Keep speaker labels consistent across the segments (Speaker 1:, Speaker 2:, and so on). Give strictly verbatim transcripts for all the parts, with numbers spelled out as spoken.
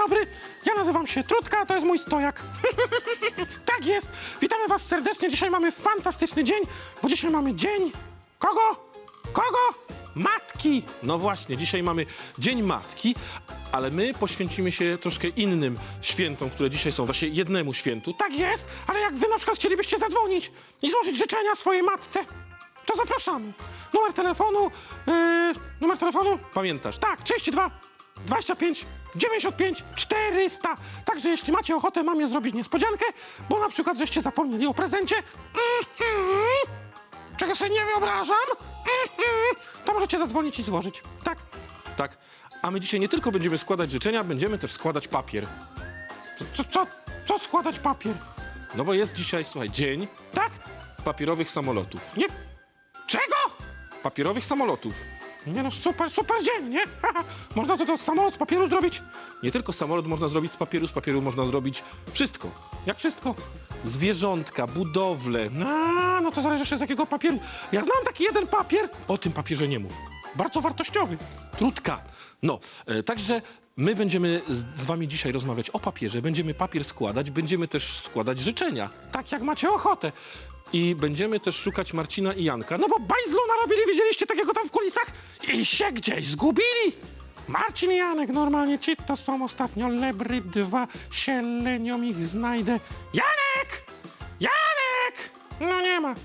Speaker 1: dobry, ja nazywam się Trudka, a to jest mój stojak. Tak jest, witamy was serdecznie, dzisiaj mamy fantastyczny dzień, bo dzisiaj mamy dzień... Kogo? Kogo? Matki! No właśnie, dzisiaj mamy Dzień Matki, ale my poświęcimy się troszkę innym świętom, które dzisiaj są, właśnie jednemu świętu. Tak jest, ale jak wy na przykład chcielibyście zadzwonić i złożyć życzenia swojej matce, to zapraszamy. Numer telefonu, yy, numer telefonu, pamiętasz? Tak, trzydzieści dwa, dwadzieścia pięć, dziewięćdziesiąt pięć, czterysta. Także jeśli macie ochotę mamie zrobić niespodziankę, bo na przykład żeście zapomnieli o prezencie, mm-hmm, czego sobie nie wyobrażam, mm-hmm, to możecie zadzwonić i złożyć. Tak? Tak. A my dzisiaj nie tylko będziemy składać życzenia, będziemy też składać papier. Co, co, co składać papier? No bo jest dzisiaj, słuchaj, dzień, tak? Papierowych samolotów. Nie? Czego? Papierowych samolotów. Nie no, super, super dzień, nie? Można co to samolot z papieru zrobić? Nie tylko samolot można zrobić z papieru, z papieru można zrobić wszystko. Jak wszystko? Zwierzątka, budowle. No, no to zależy jeszcze z jakiego papieru. Ja znam taki jeden papier, o tym papierze nie mów. Bardzo wartościowy. Trudka. No, e, także my będziemy z, z wami dzisiaj rozmawiać o papierze, będziemy papier składać, będziemy też składać życzenia. Tak jak macie ochotę. I będziemy też szukać Marcina i Janka. No bo bajzlu narobili, widzieliście takiego tam w kulisach? I się gdzieś zgubili. Marcin i Janek, normalnie ci to są ostatnio lebry dwa, się lenią ich znajdę. Janek! Janek! No nie ma.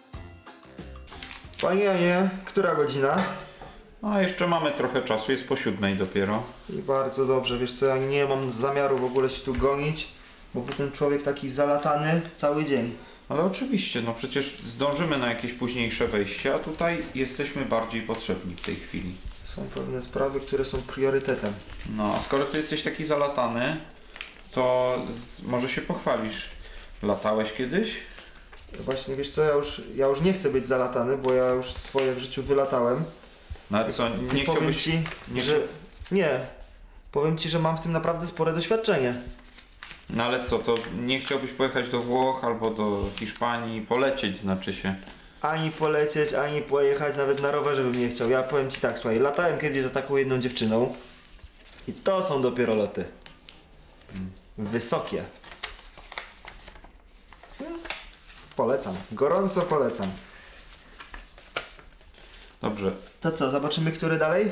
Speaker 2: Panie Janie, która godzina?
Speaker 3: No, jeszcze mamy trochę czasu, jest po siódmej dopiero.
Speaker 2: I bardzo dobrze, wiesz co, ja nie mam zamiaru w ogóle się tu gonić, bo potem człowiek taki zalatany cały dzień.
Speaker 3: Ale oczywiście, no przecież zdążymy na jakieś późniejsze wejście, a tutaj jesteśmy bardziej potrzebni w tej chwili.
Speaker 2: Są pewne sprawy, które są priorytetem.
Speaker 3: No, a skoro ty jesteś taki zalatany, to może się pochwalisz. Latałeś kiedyś?
Speaker 2: Właśnie, wiesz co, ja już, ja już nie chcę być zalatany, bo ja już swoje w życiu wylatałem.
Speaker 3: No ale co, nie
Speaker 2: I powiem
Speaker 3: chciałbyś...
Speaker 2: ci,
Speaker 3: nie
Speaker 2: że... Nie. Powiem ci, że mam w tym naprawdę spore doświadczenie.
Speaker 3: No ale co, to nie chciałbyś pojechać do Włoch albo do Hiszpanii, polecieć znaczy się.
Speaker 2: Ani polecieć, ani pojechać, nawet na rowerze bym nie chciał. Ja powiem ci tak, słuchaj, latałem kiedyś za taką jedną dziewczyną i to są dopiero loty. Wysokie. Polecam, gorąco polecam.
Speaker 3: Dobrze.
Speaker 2: To co, zobaczymy, który dalej?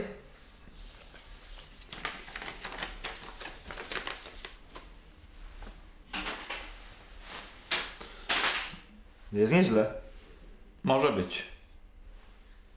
Speaker 2: Jest nieźle.
Speaker 3: Może być.